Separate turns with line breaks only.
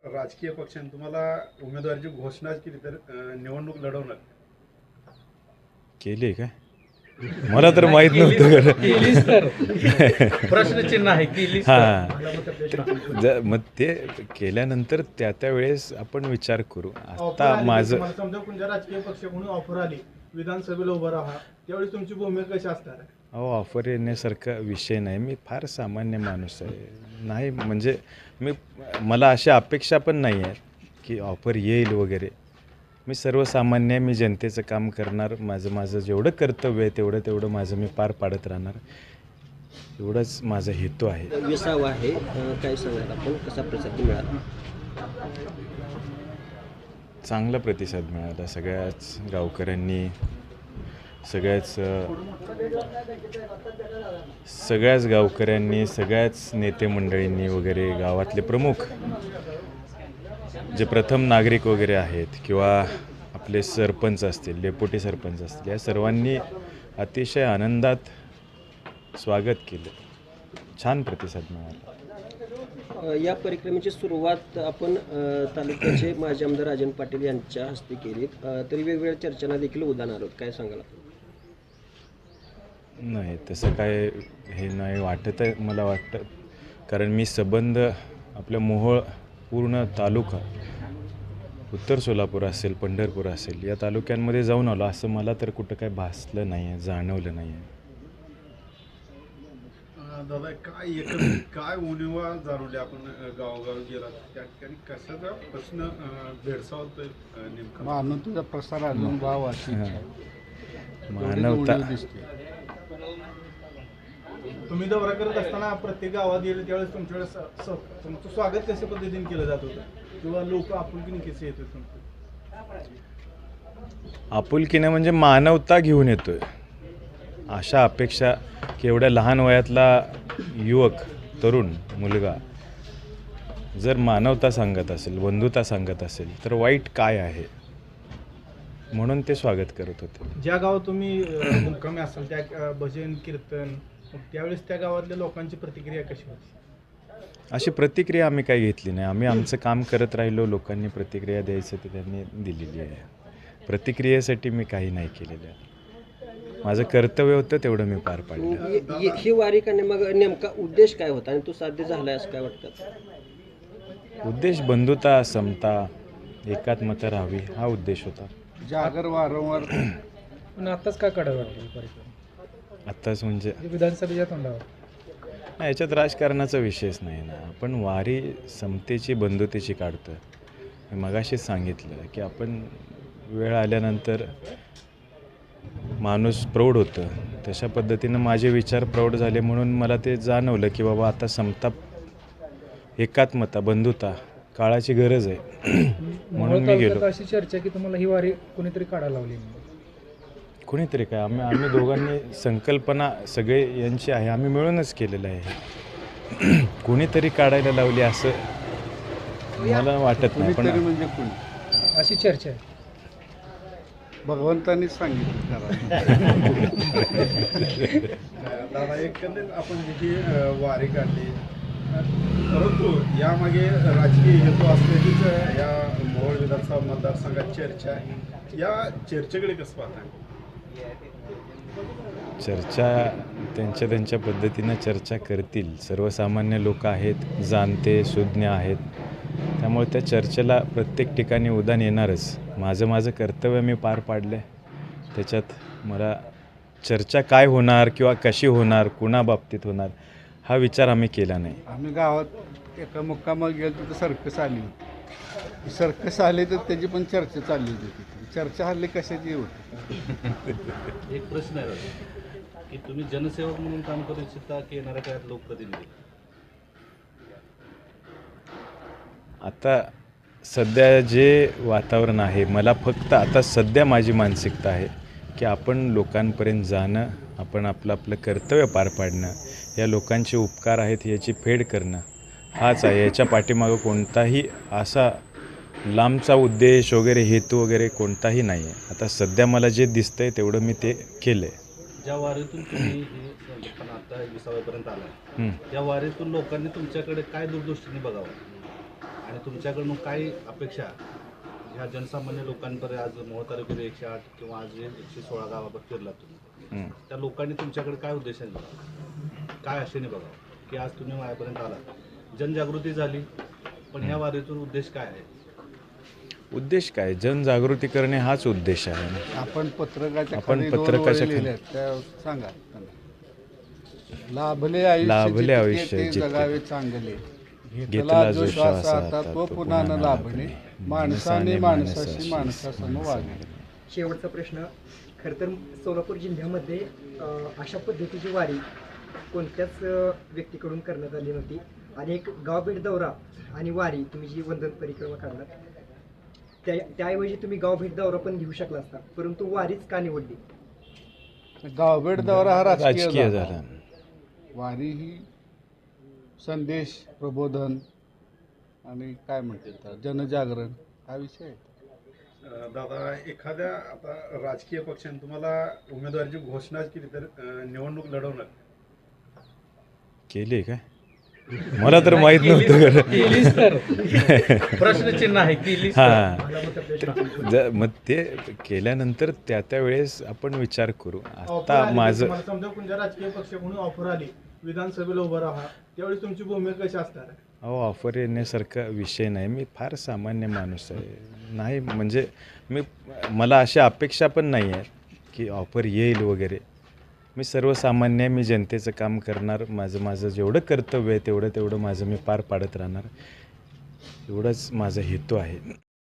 राजकीय पक्षाने तुम्हाला उमेदवारीची घोषणा केली तर निवडणूक लढवणार
केली काय मला तर माहीत नव्हतं
केलीच तर प्रश्नचिन्ह आहे केलीच तर.
मग ते केल्यानंतर त्या वेळेस आपण विचार करू. आता माझं
समजा कोणत्या राजकीय पक्षाकडून ऑफर आली विधानसभेला उभं राहा त्यावेळी तुमची भूमिका कशी असणार आहे?
अहो ऑफर येण्यासारखा विषय नाही. मी फार सामान्य माणूस आहे. नाही म्हणजे मला अशा अपेक्षा पण नाही आहेत की ऑफर येईल वगैरे. मी सर्वसामान्य आहे. मी जनतेचं काम करणार. माझं जेवढं कर्तव्य आहे तेवढं माझं मी पार पाडत राहणार. एवढंच माझा हेतू आहे.
विसावा आहे काय सांगाल आपण कसा प्रतिसाद मिळाला?
चांगला प्रतिसाद मिळाला. सगळ्याच गावकऱ्यांनी सगळ्याच नेते मंडळींनी वगैरे गावातले प्रमुख जे प्रथम नागरिक वगैरे आहेत किंवा आपले सरपंच असतील, डेप्युटी सरपंच असतील, या सर्वांनी अतिशय आनंदात स्वागत केलं. छान प्रतिसाद मिळाला.
या परिक्रमेची सुरुवात आपण तालुक्याचे माजी आमदार राजन पाटील यांच्या हस्ते केली. तरी वेगवेगळ्या चर्चांना देखील उदाहरण आहोत काय सांगाल?
नाही तसं काय हे नाही वाटत आहे. मला वाटतं कारण मी संबंध आपल्या मोहोळ पूर्ण तालुका उत्तर सोलापूर असेल, पंढरपूर असेल या तालुक्यांमध्ये जाऊन आलो. असं मला तर कुठं काय भासलं नाही आहे, जाणवलं नाही आहे.
दादा काय उणिवा जाणवली आपण गावोगाव गेला त्या ठिकाणी कशाचा प्रश्न भेडसावतोय नेमका?
मानवतेचा प्रसार अजून भाव
मानवता
तुम्ही दौरा करत असताना प्रत्येक गावात गेले त्यावेळेस तुमच्यावेळेस तुमचं स्वागत कशा पद्धतीने केलं जात होतं किंवा लोक आपुलकीने कसे येत होते?
आपुलकीने म्हणजे मानवता घेऊन येतोय. अशा अपेक्षा की एवढ्या लहान वयातला युवक तरुण मुलगा जर मानवता सांगत असेल, बंधुता सांगत असेल तर वाईट काय आहे म्हणून ते स्वागत करत होते.
ज्या गावात तुम्ही मुक्कामी असाल त्या भजन कीर्तन त्यावेळेस त्या गावातल्या लोकांची प्रतिक्रिया कशी होती?
अशी प्रतिक्रिया आम्ही काही घेतली नाही. आम्ही आमचं काम करत राहिलो. लोकांनी प्रतिक्रिया द्यायचं ते त्यांनी दिलेली आहे. प्रतिक्रियेसाठी मी काही नाही केलेलं आहे. माझं कर्तव्य होतं तेवढं मी पार पाडलं.
ही वारी करणे मग नेमका उद्देश काय होता आणि तो साध्य झाला आहे असं काय वाटतं?
उद्देश बंधुता, समता, एकात्मता राहावी हा उद्देश होता.
जागर वारंवार
पण आताच काय काढावं वाटलं परिक्रम
आत्ताच म्हणजे
विधानसभेच्या तोंडावर?
नाही, याच्यात राजकारणाचा विषयच नाही ना. आपण वारी समतेची, बंधुतेची काढतो. मी मगाशीच सांगितलं की आपण वेळ आल्यानंतर माणूस प्रौढ होतं. तशा पद्धतीनं माझे विचार प्रौढ झाले म्हणून मला ते जाणवलं की बाबा आता समता, एकात्मता, बंधुता काळाची गरज आहे म्हणून मी गेलो.
अशी चर्चा की तुम्हाला ही वारी कोणीतरी काढायला लावली?
कोणीतरी काय, आम्ही दोघांनी संकल्पना सगळे यांची आहे. आम्ही मिळूनच केलेलं आहे. कोणीतरी काढायला लावली असं मला वाटत नाही. पण
म्हणजे कोणी
अशी चर्चा आहे.
भगवंतांनी सांगितलं.
दादा एकंदरीत आपण जी वारी काढली परंतु यामागे राजकीय हेतू असल्याचीच या मोहोळ विधानसभा मतदारसंघात चर्चा आहे. या चर्चेकडे कसं पाहताय?
चर्चा त्यांच्या पद्धतीनं चर्चा करतील. सर्वसामान्य लोक आहेत, जाणते सुज्ञ आहेत. त्यामुळे त्या चर्चेला प्रत्येक ठिकाणी उधाण येणारच. माझं कर्तव्य मी पार पाडलं आहे. त्याच्यात मला चर्चा काय होणार किंवा कशी होणार, कुणाबाबतीत होणार हा विचार आम्ही केला नाही.
आम्ही गावात एका मुक्कामाला गेलो तर सर्कस आली होती. सर्कस आले तर त्याची पण चर्चा चालली होती. चर्चा हल्ली कशाची होती?
एक प्रश्न आहे की तुम्ही जनसेवक म्हणून काम करू इच्छिता की येणाऱ्या काळात लोकप्रतिनिधी?
आता सध्या जे वातावरण आहे, मला फक्त आता सध्या माझी मानसिकता आहे की आपण लोकांपर्यंत जाणं, आपण आपलं कर्तव्य पार पाडणं, या लोकांचे उपकार आहेत याची फेड करणं हाच आहे. याच्या पाठीमागं कोणताही असा लांबचा उद्देश वगैरे हेतू वगैरे कोणताही नाही आहे. आता सध्या मला जे दिसतंय तेवढं मी ते केलं आहे.
ज्या वारीतून तुम्ही पण आता 20व्यापर्यंत आला, त्या वारीतून लोकांनी तुमच्याकडे काय दूरदृष्टीने बघावं आणि तुमच्याकडून काय अपेक्षा ह्या जनसामान्य लोकांपर्यंत आज मोहोळ तालुक्यात 108 किंवा आज 116 गावावर फिरला तुम्ही, त्या लोकांनी तुमच्याकडे काय उद्देशाने बघावं, काय आशेने बघावं की आज तुम्ही माझ्यापर्यंत आला? जनजागृती झाली, पण ह्या वारीतून उद्देश काय आहे?
उद्देश काय? जनजागृती करणे हाच उद्देश आहे ना.
आपण पत्रकाच्या
आपण
खाली दोन
पत्रकाच्या
ओळी
खाली-
लिहिल्यात, त्या सांगा त्यांना. लाभले आयुष्य
लाभले
जितके
आयुष्य
ते
जितके.
जगावे चांगले,
घेतला जो श्वास
आता तो पुन्हा न लाभणे, माणसाने माणसाशी माणसासम वागणे.
शेवटचा प्रश्न. खरं तर सोलापूर जिल्ह्यामध्ये अशा पद्धतीची वारी कोणत्याच व्यक्तीकडून करण्यात आली नव्हती. आणि एक गावभेट दौरा आणि वारी तुम्ही जी वंदन परिक्रमा काढलात, त्याऐवजी तुम्ही गावभेट दौरा पण घेऊ शकला असता, परंतु वारीच का निवडली?
गावभेट दौरा हा
राजकीय
राजकीय
झाला.
वारी ही संदेश, प्रबोधन आणि काय म्हणतात जनजागरण हा विषय आहे.
दादा, एखाद्या आता राजकीय पक्षाने तुम्हाला उमेदवारीची घोषणा केली तर निवडणूक लढवणार?
केली काय? मला तर माहित नव्हतं.
केलीच तर
प्रश्नचिन्ह आहे की
हां, मग ते केल्यानंतर त्या वेळेस आपण विचार करू. आता माझं
समजा कोणत्या राजकीय पक्षाकडून ऑफर आली विधानसभेला उभं राहा, त्यावेळी तुमची भूमिका कशी असणार आहे?
ऑफर येण्यासारखा विषय नाही. मी फार सामान्य माणूस आहे. नाही म्हणजे मला अशा अपेक्षा पण नाही आहेत की ऑफर येईल वगैरे. मी सर्वसामान्य आहे. मी जनतेचं काम करणार. माझं जेवढं कर्तव्य आहे तेवढं माझं मी पार पाडत राहणार. एवढंच माझा हेतू आहे.